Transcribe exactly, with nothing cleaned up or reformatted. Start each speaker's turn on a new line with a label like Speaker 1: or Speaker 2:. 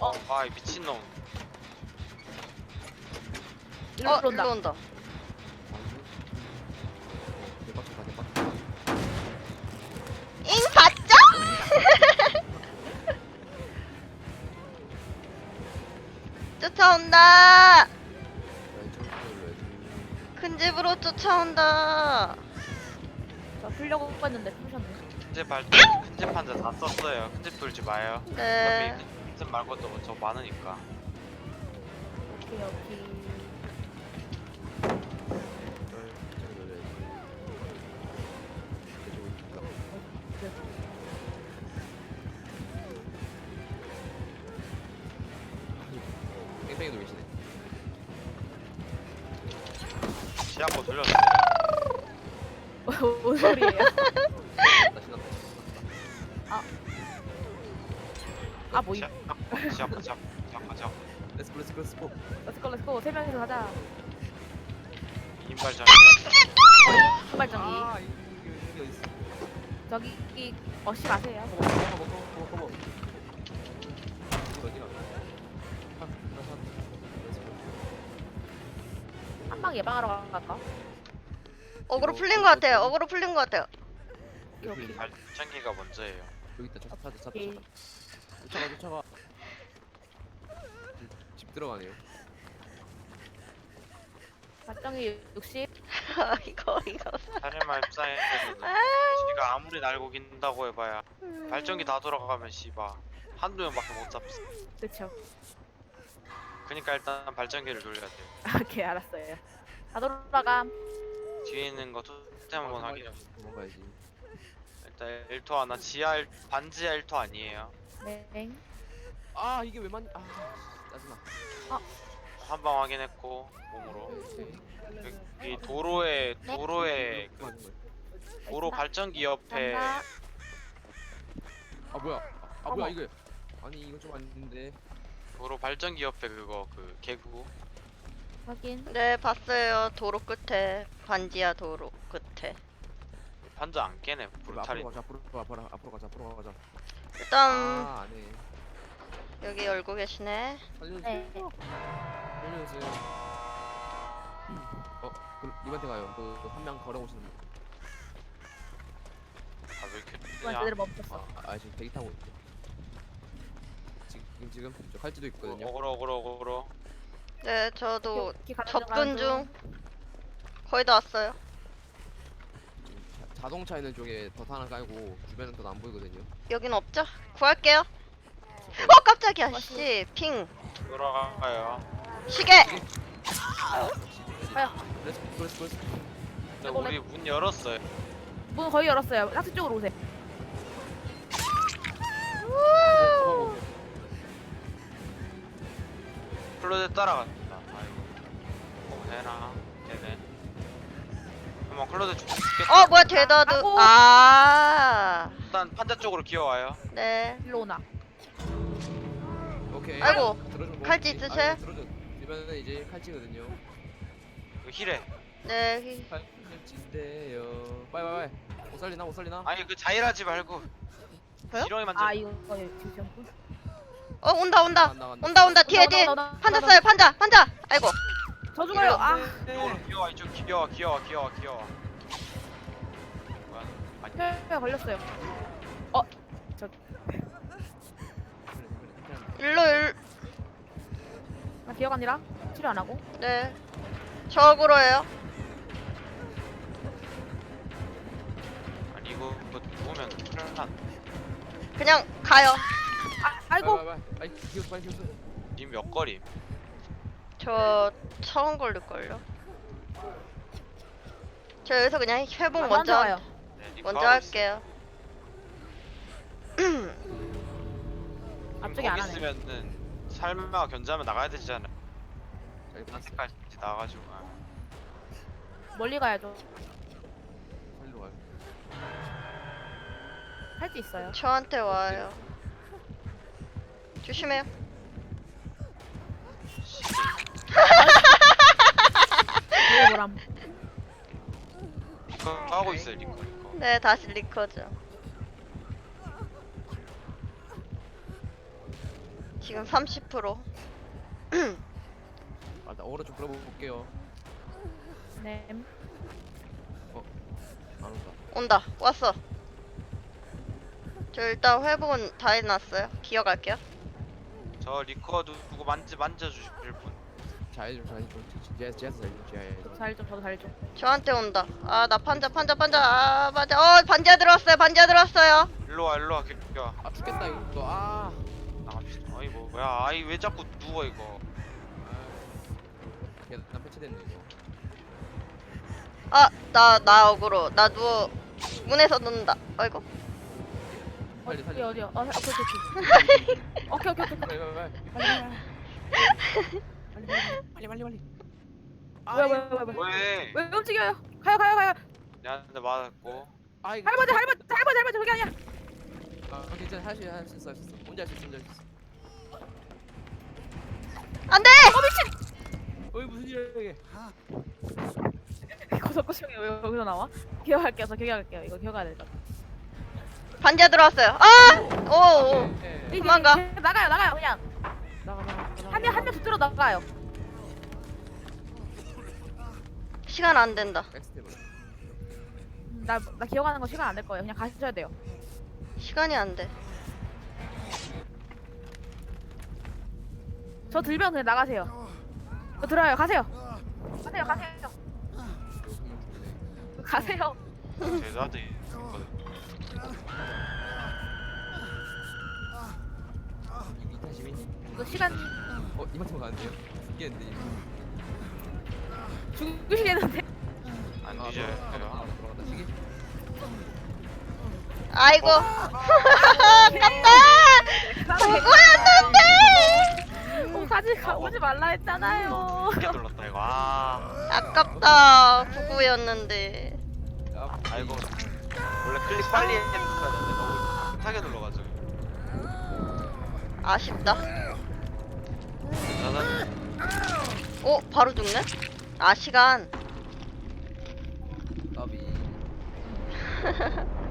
Speaker 1: 어, 아, 이 미친놈.
Speaker 2: 일로
Speaker 3: 어,
Speaker 2: 온다.
Speaker 3: 일로 온다.
Speaker 4: 대박쳤다 대박쳤다.
Speaker 3: 잉 봤죠? 쫓아온다. 큰 집으로 쫓아온다.
Speaker 2: 저 풀려고 했는데 풀셨네.
Speaker 1: 큰집 발, 큰집 판자 다 썼어요. 큰집 돌지 마요.
Speaker 3: 네.
Speaker 1: 어차피 큰집 말고도 저 많으니까.
Speaker 2: 오케이 오케이.
Speaker 4: 뺑뺑이도 계시네.
Speaker 1: 시야코 돌렸어.
Speaker 2: 뭔 소리예요?
Speaker 4: 나 신났다.
Speaker 2: 아 뭐 이.
Speaker 1: 시야코, 시야코, 시야코, 시야코.
Speaker 4: 렛츠고 렛츠고 렛츠고.
Speaker 2: 렛츠고 렛츠고 세 명이서 가자.
Speaker 1: 인발전.
Speaker 2: 후발전기.
Speaker 4: 아 이게 이게 어디 있어?
Speaker 2: 저기 이 어시 마세요.
Speaker 4: 커버 커버 커버 커버 커버. 이거 어디가? 아, 나 사. 렛츠고.
Speaker 2: 한방 예방하러 갈까?
Speaker 3: 어그로 풀린 것 같아요. 어그로 풀린 것 같아요.
Speaker 2: 오케이.
Speaker 1: 발전기가 먼저예요.
Speaker 4: 여기 있다. 차 차차 차.
Speaker 2: 오케이.
Speaker 4: 쫓아가 쫓아가. 집 들어가네요.
Speaker 2: 발전기 육십.
Speaker 3: 아, 이거 이거.
Speaker 1: 살인마 입장에서는 지가 아무리 날고 긴다고 해봐야 발전기 다 돌아가면 씨바 한두 명밖에 못 잡지.
Speaker 2: 그쵸.
Speaker 1: 그니까 일단 발전기를 돌려야 돼요.
Speaker 2: 오케이 알았어요. 다 돌아감.
Speaker 1: 뒤에 있는 거 토템 한번 확인해.
Speaker 4: 도망가야지.
Speaker 1: 일단 일토 하나 지하 일, 반지하 일토 아니에요.
Speaker 2: 네.
Speaker 4: 아 이게 왜 맞니? 아 짜증나.
Speaker 1: 한 방 확인했고 몸으로. 여기 도로에 도로에 그
Speaker 4: 그거 하는 거야.
Speaker 1: 도로 발전기 옆에
Speaker 2: 간다.
Speaker 4: 아 뭐야? 아
Speaker 2: 어머.
Speaker 4: 뭐야 이게? 아니 이거 좀 아닌데.
Speaker 1: 도로 발전기 옆에 그거 그 개구.
Speaker 2: 확인.
Speaker 3: 네, 봤어요. 도로 끝에. 반지하 도로 끝에.
Speaker 1: 판자 안 깨네 브루탈이.
Speaker 4: 앞으로 가자. 앞으로 앞으로 앞으로 가자. 앞으로 가자.
Speaker 3: 일단
Speaker 4: 아 안해.
Speaker 3: 여기 열고 계시네.
Speaker 4: 살려주세요.
Speaker 2: 네.
Speaker 4: 살려주세요. 어, 그 리반테 가요. 그 한 명 걸어오시는 분.
Speaker 1: 아왜 이렇게
Speaker 2: 이건
Speaker 1: 뜨냐?
Speaker 2: 제대로 멈췄어.
Speaker 4: 아, 아 지금 대기 타고 있대. 지금 지금 저 칼지도 있거든요.
Speaker 1: 어그로 어그로 어그로.
Speaker 3: 네, 저도
Speaker 2: 오케이, 가는
Speaker 3: 접근
Speaker 2: 가는
Speaker 3: 중. 거의 다 왔어요.
Speaker 4: 지금 자, 자동차 있는 쪽에 덫 하나 깔고 주변은 더 안 보이거든요.
Speaker 3: 여긴 없죠? 구할게요. 어, 깜짝이야. 씨, 핑.
Speaker 1: 돌아가요.
Speaker 3: 시계.
Speaker 2: 가요.
Speaker 4: 그래서 그래서 그래서
Speaker 1: 근데 우리 문 열었어요.
Speaker 2: 문 거의 열었어요. 락스 쪽으로 오세요.
Speaker 4: 어,
Speaker 1: 클로젯 따라간다. 아이고. 어 되나? 되네. 한번 클로젯 죽겠다.
Speaker 3: 어, 뭐야, 대다드.
Speaker 2: 아이고.
Speaker 3: 아.
Speaker 1: 일단 판자 쪽으로 기어와요.
Speaker 3: 네.
Speaker 2: 일로 오나.
Speaker 4: 오케이.
Speaker 3: 아이고,
Speaker 4: 들어준 거
Speaker 3: 칼찌
Speaker 4: 없지?
Speaker 3: 있으세요?
Speaker 4: 아이고, 들어준. 주변은 이제 칼찌거든요.
Speaker 1: 그 힐에.
Speaker 3: 네.
Speaker 4: 칼찌인데요. 빨리 빨리 빨리. 못 살리나 못 살리나?
Speaker 1: 아니 그 자일하지 말고.
Speaker 3: 저요?
Speaker 1: 지렁이 만져.
Speaker 2: 아 이거 어, 예, 지금
Speaker 3: 어, 온다, 온다.
Speaker 4: 간다, 간다.
Speaker 3: 온다, 온다. 뒤에, 뒤에.
Speaker 2: 온다, 온다, 온다,
Speaker 3: 판자
Speaker 2: 온다.
Speaker 3: 써요, 판자, 판자. 아이고.
Speaker 2: 저 죽어요. 아.
Speaker 1: 이쪽으로 기어와 이쪽 기어와 기어와 기어와 기어와. 뭐야? 아니
Speaker 2: 혈 걸렸어요. 어. 저
Speaker 3: 일로, 일.
Speaker 2: 나 기억 아니라 치료 안 하고.
Speaker 3: 네. 저으로예요.
Speaker 1: 아니 이거 이거 누우면 큰일 난.
Speaker 3: 그냥 가요.
Speaker 2: 아 아이고.
Speaker 4: 빨리 빨리 빨리. 빨리 기어 빨리 기어.
Speaker 1: 님몇 거리?
Speaker 3: 저 처음 걸릴걸요. 저 여기서 그냥 회복
Speaker 2: 아,
Speaker 3: 먼저
Speaker 2: 와요.
Speaker 1: 네, 님
Speaker 3: 먼저
Speaker 1: 그거 하고
Speaker 3: 할게요.
Speaker 1: 있-
Speaker 2: 앞쪽에 안
Speaker 1: 거기
Speaker 2: 하네.
Speaker 1: 있으면은 삶아 견제하면 나가야 되잖아.
Speaker 4: 잘 봤어.
Speaker 1: 까지 나가가지고. 아.
Speaker 2: 멀리 가야죠.
Speaker 4: 살리러 가요.
Speaker 2: 할 수 있어요.
Speaker 3: 저한테 와요. 조심해요.
Speaker 2: 왜 뭐람?
Speaker 1: 이거 하고 있어요 리코 리코.
Speaker 3: 네, 다시 리커죠. 지금 삼십 퍼센트.
Speaker 4: 아, 나 오로 좀 끌어볼게요.
Speaker 2: 네.
Speaker 4: 안 온다.
Speaker 3: 온다. 왔어. 저 일단 회복은 다 해놨어요. 기어갈게요.
Speaker 1: 저 리커드 누구 만지 만져주실 분.
Speaker 4: 자해 좀, 자해 좀. 지하에서, 지하에서 자해 좀, 지하에.
Speaker 2: 잘 좀, 저도 잘 좀.
Speaker 3: 저한테 온다. 아, 나 판자, 판자, 판자. 아, 맞아. 어, 반지하 들어왔어요. 반지하 들어왔어요.
Speaker 1: 일로 와 일로 와 개야.
Speaker 4: 아, 죽겠다, 이거 또. 아.
Speaker 1: 나갑시다. 아이 뭐 뭐야? 아이 왜 자꾸 누워 이거?
Speaker 4: 아. 계단 패치됐네, 이거.
Speaker 3: 아, 나, 나 억울어. 나 누워. 문에서 넣는다. 아이고.
Speaker 4: 빨리
Speaker 2: 어디,
Speaker 4: 살려.
Speaker 2: 어디요? 어, 오케이, 오케이, 오케이. 오케이, 오케이, 오케이.
Speaker 4: 빨리, 빨리, 빨리.
Speaker 2: 빨리, 빨리,
Speaker 4: 빨리, 빨리, 빨리.
Speaker 2: 왜, 왜, 왜, 왜?
Speaker 1: 왜?
Speaker 2: 왜 움직여요? 가요, 가요, 가요.
Speaker 1: 내한테 맞았고.
Speaker 4: 아, 이거.
Speaker 2: 할아버지, 할아버지, 할아버지, 할아버지, 그게 아니야.
Speaker 4: 아, 괜찮아. 할수 있어, 할수 있어, 할수 있어. 혼자 할 수 있어, 혼자 할 수 있어.
Speaker 3: 안 돼!
Speaker 4: 어이, 무슨 일이야, 이게.
Speaker 2: 고속고속이 왜 여기서 나와? 기억할게요, 저 기억할게요. 이거 기억해야 될 것 같아.
Speaker 3: 반지하 들어왔어요. 아! 오, 오.
Speaker 4: 예.
Speaker 2: 이게-
Speaker 3: 도망가.
Speaker 2: 이게 나가요, 나가요, 그냥.
Speaker 4: 나가, 나가, 나가.
Speaker 2: 한 명, 한 명 붙들어 나가요.
Speaker 3: 시간 안 된다.
Speaker 4: 백스텝으로.
Speaker 2: 음, 나, 나 기억하는 거 시간 안 될 거예요. 그냥 가셔야 돼요.
Speaker 3: 시간이 안 돼.
Speaker 2: 저 들면 그냥 나가세요. 저 들어요, 가세요. 가세요, 가세요. 가세요.
Speaker 1: 제자들 있거든.
Speaker 4: 이탄 시민님.
Speaker 2: 이거 시간
Speaker 4: 어, 이만큼 가는데요? 죽겠는데, 이거.
Speaker 2: 죽으시겠는데?
Speaker 1: 안
Speaker 4: 아,
Speaker 1: 뒤져요.
Speaker 4: 돌아간다, 돌아간다. 시계.
Speaker 3: 아이고.
Speaker 1: 어?
Speaker 3: 아깝다! 보고였는데!
Speaker 2: 어, 가지, 가보지 말라 했잖아요.
Speaker 1: 크게 눌렀다 이거. 아.
Speaker 3: 아깝다. 구구였는데.
Speaker 4: 아,
Speaker 1: 아이고. 원래 클릭 빨리 했어야 되는데 너무 급하게 눌러가지고.
Speaker 3: 아쉽다.
Speaker 1: 짜잔.
Speaker 3: 오, 바로 죽네? 아, 시간.
Speaker 4: 나비.